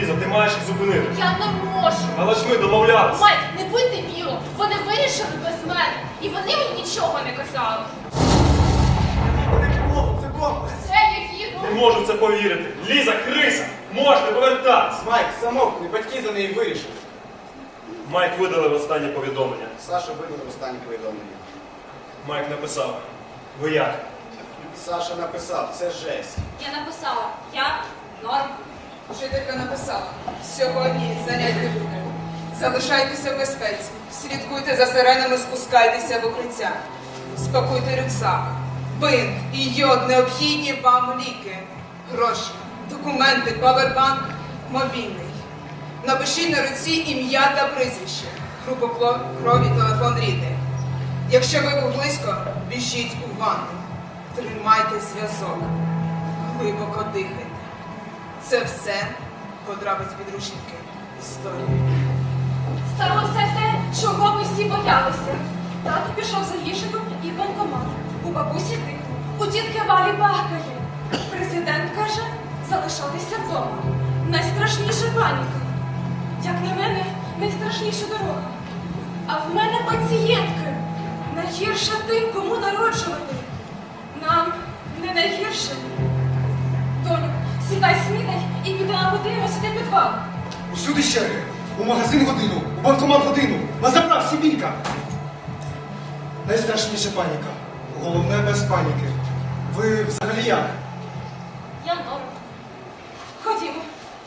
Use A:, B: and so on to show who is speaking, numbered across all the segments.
A: Ліза, ти маєш їх зупинити.
B: Я не можу.
A: Але ж ми домовлялися.
B: Майк, не будь дебілом. Вони вирішили без мене. І вони мені нічого не казали.
C: Вони підлогу, це бомба.
B: Це я їду.
A: Не можу в це повірити. Ліза, криса! Можна повертатись!
C: Майк, замовкни, батьки за неї вирішили.
A: Майк видалив останнє повідомлення.
C: Саша видалив останнє повідомлення.
A: Майк написав. Ви як?
C: Саша написав, це жесть.
B: Я написала. Я норм.
D: Вчителька написала: сьогодні занять не буде. Залишайтеся в безпеці, слідкуйте за сиренами, спускайтеся в укриття. Спакуйте рюкзак, бинт і йод, необхідні вам ліки, гроші, документи, павербанк, мобільний. Напишіть на руці ім'я та прізвище, групу крові, телефон рідний. Якщо ви був близько, біжіть у ванну. Тримайте зв'язок, глибоко дихайте. Це все потрапить в підручники історії.
B: Сталося те, чого ми всі боялися. Тато пішов за їжею і в банкомат. У бабусі тихо, у тітки Валі бахкає. Президент каже, залишатися вдома. Найстрашніша паніка. Як на мене, найстрашніша дорога. А в мене пацієнтки. Найгірше тим, кому народжувати. Нам не найгірше. Доню, сідай, снідай і підемо подивимося де підвал.
E: Усюди черги. У магазин годину, у банкомат годину. На заправці бійка. Найстрашніша паніка. Головне без паніки. Ви взагалі як?
B: Я норм. Ходімо.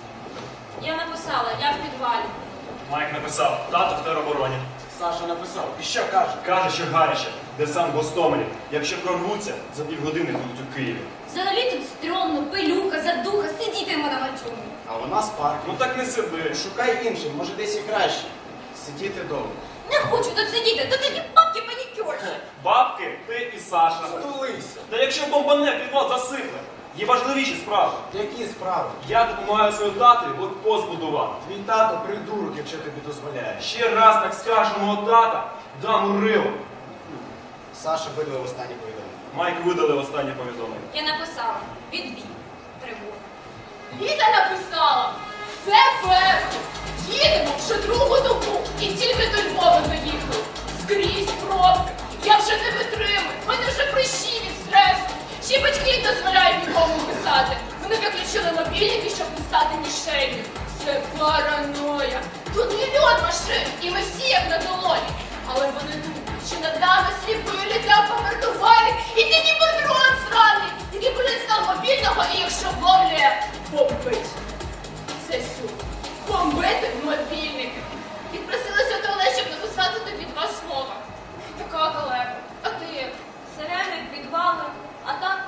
B: Я написала, я в підвалі.
A: Майк написав. Тато в теробороні.
C: Саша написав. І що каже?
A: Каже, що гаряче. Десант в Гостомелі. Якщо прорвуться, за півгодини будуть у Києві.
B: Взагалі тут стрьомно, пилюка, задуха, сидітимо на мальчуні.
C: А вона з парку.
A: Ну так не сиди.
C: Шукай іншим, може десь і краще. Сидіти вдома.
B: Не хочу тут сидіти, тут такі бабки панікерші.
A: Бабки, ти і Саша.
C: Стулися.
A: Та якщо бомбане, підвал засихне. Є важливіші справи.
C: Які справи?
A: Я допомагаю своєму татові блокпост будувати.
C: Твій тато придурок, якщо тобі дозволяє.
A: Ще раз так скажеш мого тата, дам у рило.
C: Саша видалив останнє повідомлення.
A: Майк видалив останнє повідомлення.
B: Я написала, відбій, тривога. Літа написала, це перше. Їдемо вже другу добу і тільки до Львова доїхали. Скрізь пробки. Я вже не витримую, в мене вже прищі від стресу. Ще батьки не дозволяють нікому писати. Вони виключили мобільники, щоб не стати мішенью. Це параноя. Тут мільйон машин, і ми всі як на долоні. Але вони думають, що над нами сліпили та помертували. І тільки патрон сраний, тільки поліцтав мобільного, і якщо ловлює, бомбить. Це сюди. Бомбити мобільники. Відпросилася до Олег, щоб написати тобі 2 слова. Така колеба. А ти як? Сирени, підвали, а так,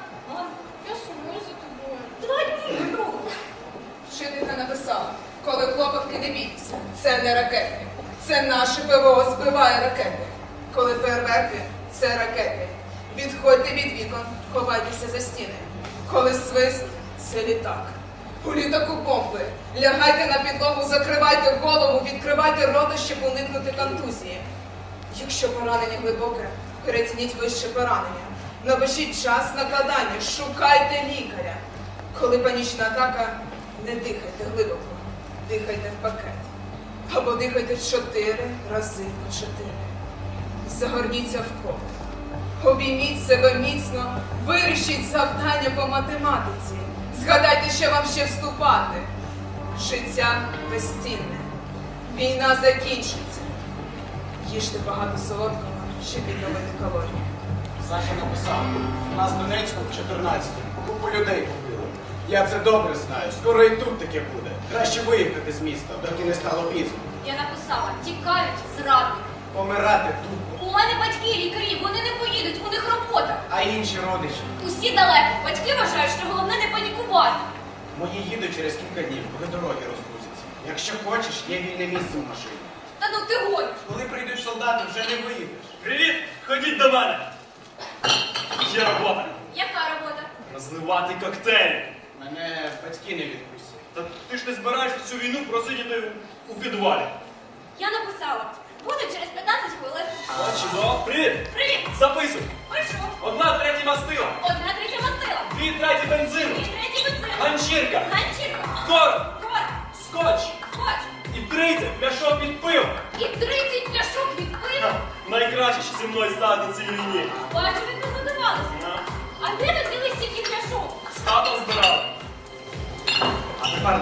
B: я сумую за тобою. 2 дні минуло.
D: Вчителька написала: коли хлопавки, не бійтеся, це не ракети. Це наше ПВО збиває ракети. Коли фейерверки, це ракети. Відходьте від вікон, ховайтеся за стіни. Коли свист, це літак. У літаку бомби. Лягайте на підлогу, закривайте голову, відкривайте рота, щоб уникнути контузії. Якщо поранення глибоке, перецініть вище поранення. Напишіть час накладання, шукайте лікаря. Коли панічна атака, не дихайте глибоко, дихайте в пакет. Або дихайте 4 рази по 4. Загорніться в кот. Обійміть себе міцно, вирішіть завдання по математиці. Згадайте, що вам ще вступати. Життя безцінне. Війна закінчиться. Їжте багато солодкого, щоб відновити калорії.
C: Саша написав. Нас в Донецьку в 14-му. Купу людей побили. Я це добре знаю. Скоро і тут таке буде. Краще виїхати з міста, доки не стало пізно.
B: Я написала, тікають зрадники.
C: Помирати тут.
B: У мене батьки лікарі, вони не поїдуть, у них робота.
C: А інші родичі?
B: Усі далеко. Батьки вважають, що головне не панікувати.
C: Мої їдуть через кілька днів, коли дороги розгрузяться. Якщо хочеш, є вільне місце в машині.
B: Та ну ти гониш.
C: Коли прийдуть солдати, вже не виїдеш.
A: Привіт! Ходіть до мене! Є робота.
B: Яка робота?
A: Розливати коктейлі.
C: Мене батьки не відпустять.
A: Та ти ж не збираєшся цю війну просидіти у підвалі.
B: Я написала. Буду через 15 хвилин.
A: О, чудово. Привіт!
B: Привіт!
A: Записуй.
B: Пишу.
A: 1/3 мастила.
B: 1/3 мастила.
A: 2/3 бензину.
B: 2/3 бензину.
A: Ганчірка.
B: Ганчірка.
A: Скоро.
B: Кор.
A: Скоро.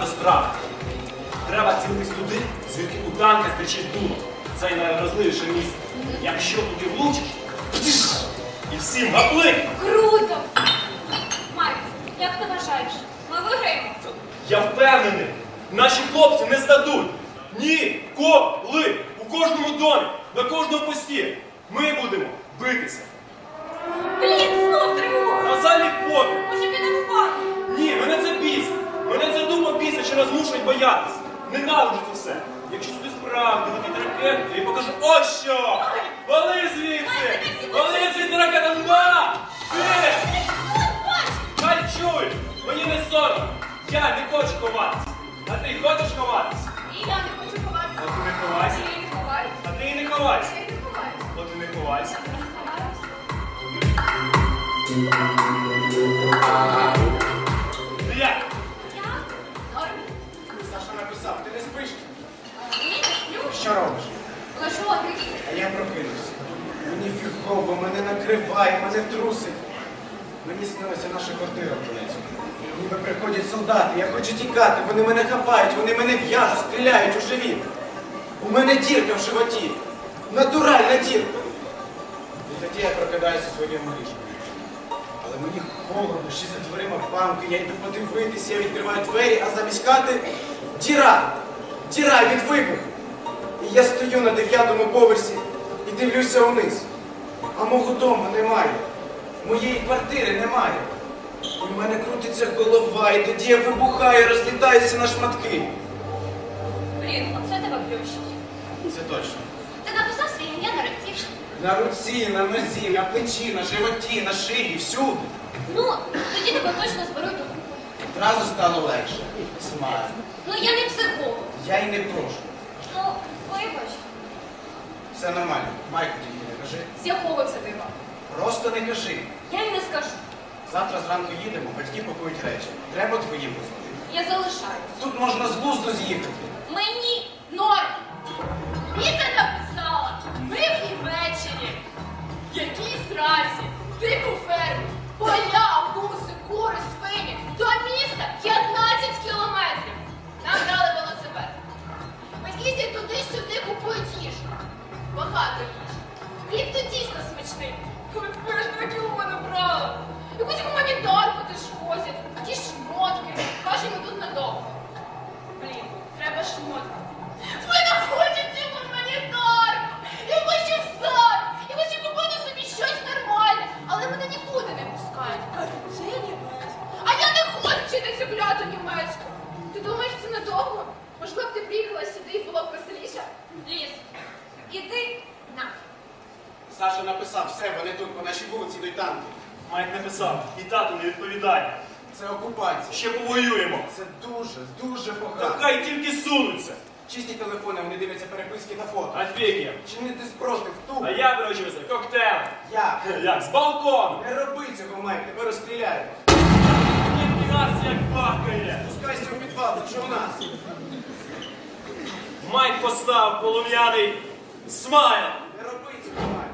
A: справи. Треба цілитись туди, звідки у танка стрічить дуло. Це найвразливіше місце. Якщо туди влучиш, і всім гаплик!
B: Круто! Майк, як ти вважаєш? Ми виграємо?
A: Я впевнений, наші хлопці не здадуть. Ніколи! У кожному домі, на кожному пості ми будемо битися.
B: Блін, знов тривога!
A: А взагалі пофіг.
B: Може підемо в парк?
A: Ні, мене це бісить. Мене це дума бісить, що нас змушують боятися. Ненавиджу це все. Якщо сюди справді летить ракета, то я покажу ось що! Вали звідси! Вали звідси ракета! На! Ти! Хай чують! Мені не соромно! Я не хочу ховатися! А ти хочеш ховатися?
B: І я не хочу ховатися.
A: От і не ховайся!
B: Я не ховаюся.
A: А ти і не ховайся!
B: Я не ховаюся.
A: От і не ховайся!
B: Я не ховаюся.
A: Ти як?
B: Я? Норм.
C: Саша написав, ти не спиш?
B: Ні, не сплю.
C: Що робиш?
B: Лежу, а ти?
C: А я прокинувся. Мені фігово, мене накриває, мене трусить. Мені снилася наша квартира в Донецьку. Ніби приходять солдати, я хочу тікати, вони мене хапають, вони мене в'яжуть, стріляють у живіт. У мене дірка в животі. Натуральна дірка. І тоді я прокидаюся у своєму ліжку. Але мені холодно, ще за дверима памки, я йду подивитися, я відкриваю двері, а замість хати діра! Діра від вибуху! І я стою на 9-му поверсі і дивлюся вниз. А мого дому немає. Моєї квартири немає. І в мене крутиться голова, і тоді я вибухаю, розлітаюся на шматки.
B: Блін, оце тебе плющить.
C: Це точно.
B: Ти написав своє ім'я на руці?
C: На руці, на нозі, на плечі, на животі, на шиї, всюди.
B: Ну, тоді тебе точно зберуть до купи.
C: Одразу стало легше. Смайль.
B: Ну, я не психолог.
C: Я й не прошу.
B: Ну, вибач.
C: Все нормально. Майку тільки не кажи.
B: З якого це дива?
C: Просто не кажи.
B: Я й не скажу.
C: Завтра зранку їдемо, батьки пакують речі. Треба твої позвонити.
B: Я залишаюсь.
C: Тут можна з глузду з'їхати.
B: Мені норм. Віта написала. Ми в Німеччині. Якій сразі. Дику ферму. Поля, гуси, кури, свині. До міста 15 кілометрів. Нам дали велосипед. Батьки їздять туди-сюди, купують їжу. Багато їжі. Хліб то дійсно смачний. Коли вперед 2 кіло набрала. Якусь гуманітарку теж возять. Ті шмотки. Кажемо, тут надовго. Блін, треба шмотки. Ви не хочете гуманітарку! Я хочу в сад! Я хочу купити собі щось нормальне, але мене нікуди не пускають. Кажуть, це німець. А я не хочу вчити цю кляту німецьку. Ти думаєш, це надовго? Можливо, б ти приїхала сюди і було б веселіше? Ліс, іди на.
C: Саша написав, все, вони тут, по нашій вулиці йдуть танки.
A: Майк написав, і тату не відповідає.
C: Це окупація.
A: Ще повоюємо.
C: Це дуже, дуже
A: Та
C: погано.
A: хай тільки сунуться.
C: Чисті телефони, вони дивляться переписки на фото.
A: Офігенно.
C: Чинити спротив, тупо.
A: А я виручився коктейль.
C: Я.
A: Як? З балкону.
C: Не роби цього, Майк, тебе розстріляють.
A: Ніфіга як бахкає.
C: Спускайся у підвал, це що у нас?
A: Майк постав полум'яний смайл.
C: Не роби цього, Майк.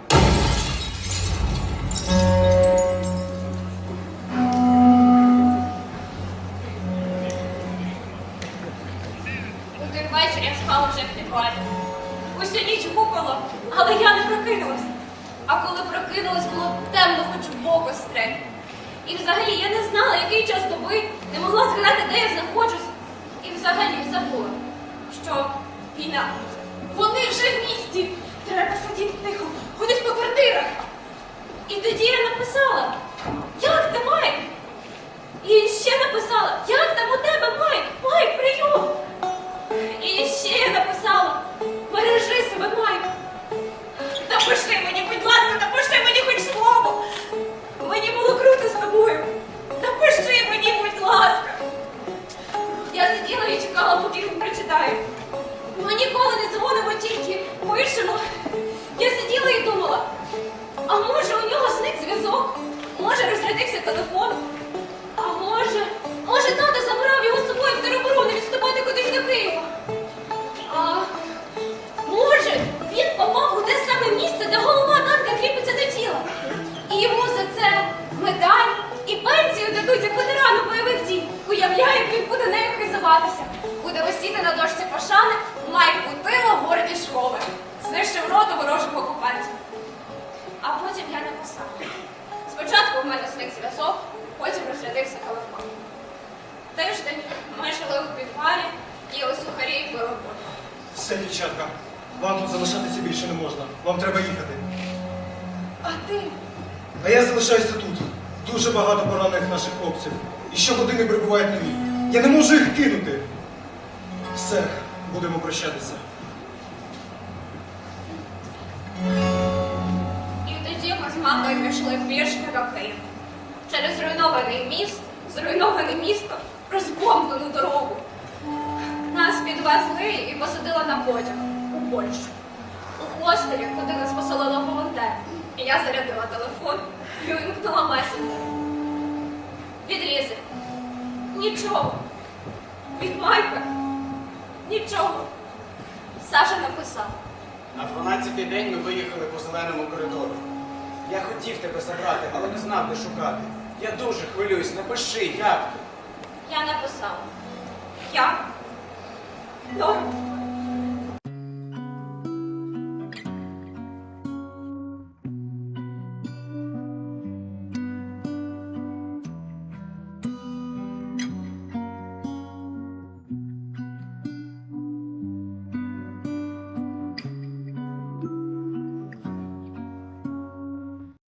B: У той вечір я спала вже в підвалі. Усю ніч гупала, але я не прокинулась. А коли прокинулась, було темно, хоч в око стрель. І взагалі я не знала, який час доби, не могла згадати, де я знаходжусь. І взагалі забула, що війна. Вони вже в місті. Треба сидіти тихо, ходить по квартирах. І тоді я написала, як ти, Майк? І ще написала, як там у тебе, Майк? Майк, прийом! І ще я написала, бережи себе, Майк. Напиши мені, будь ласка, напиши мені хоч слово. Мені було круто з тобою. Напиши мені, будь ласка. Я сиділа і чекала, поки він прочитає. Ми ніколи не дзвонимо, тільки пишемо. Я сиділа і думала, а може у нього зник зв'язок? Може розрядився телефон? А може тато забрав його з собою в тероборону відступати кудись до Києва? А може він попав у те саме місце, де голова танка кріпиться до тіла? І йому за це медаль і пенсію дадуть як ветерану бойових дій. Уявляю, як він буде нею хизуватися. буде висіти на дошці пошани Майк Бутило гордість школи. Знищив роту ворожих окупантів. А потім я написала. Спочатку в мене зник зв'язок, потім розрядився телефон. Тиждень ми жили у підвалі, їли сухарі і пили воду.
E: Все, дівчатка, вам тут залишатися більше не можна. Вам треба їхати.
B: А ти?
E: А я залишаюся тут. Дуже багато поранених наших хлопців. І щогодини прибувають нові. Я не можу їх кинути. Все, будемо прощатися.
B: І тоді ми з мамою пішли пішки до Києва. Через зруйноване місто, розбомблену дорогу. Нас підвезли і посадили на потяг у Польщу. У хостелі, куди нас поселили волонтери. І я зарядила телефон і увімкнула месенджер. Відрізи. Нічого. Від Майка. Нічого. Саша написав.
C: На 12-й день ми виїхали по зеленому коридору. Я хотів тебе забрати, але не знав, де шукати. Я дуже хвилююсь, напиши, як ти?
B: Я написала. Я норм.